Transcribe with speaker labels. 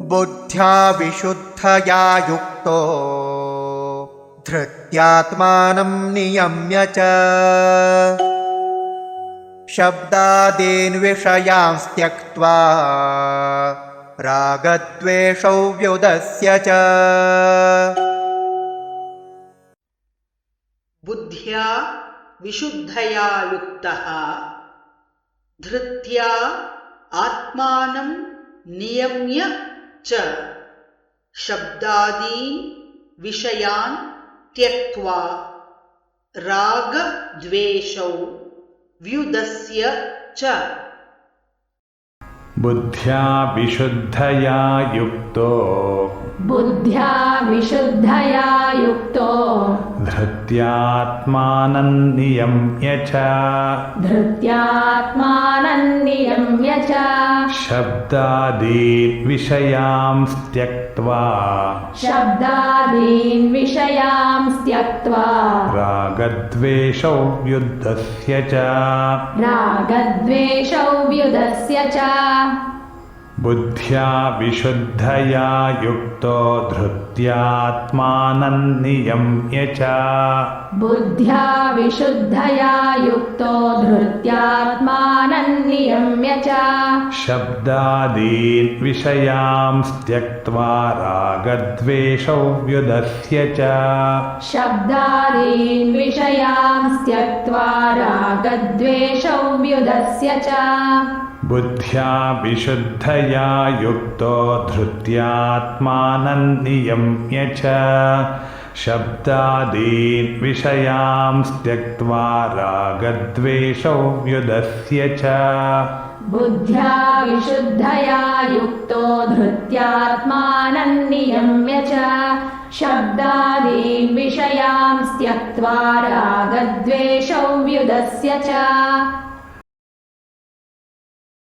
Speaker 1: बुद्ध्या विशुद्धया युक्तो धृत्यात्मानं नियम्य च शब्दादीन् विषयांस् त्यक्त्वा रागद्वेषौ व्युदस्य च।
Speaker 2: बुद्ध्या विशुद्धया युक्तः धृत्या आत्मानं नियम्य च शब्दादीन् विषयान् त्यक्त्वा रागद्वेषौ व्युदस्य च।
Speaker 3: बुद्ध्या विशुद्धया युक्तो धृत्यात्मानं नियम्य च शब्दादीन् विषयांस् त्यक्त्वा रागद्वेषौ व्युदस्य च। बुद्ध्या विशुद्धया युक्तो धृत्यात्मानं नियम्य च शब्दादीन् विषयांस् त्यक्त्वा रागद्वेषौ व्युदस्य च। बुद्ध्या विशुद्धया युक्तो धृत्यात्मानं नियम्य च शब्दादीन् विषयांस् त्यक्त्वा रागद्वेषौ व्युदस्य च।
Speaker 4: बुद्ध्या विशुद्धया युक्तो धृत्यात्मानं नियम्य च शब्दादीन् विषयांस् त्यक्त्वा रागद्वेषौ व्युदस्य च।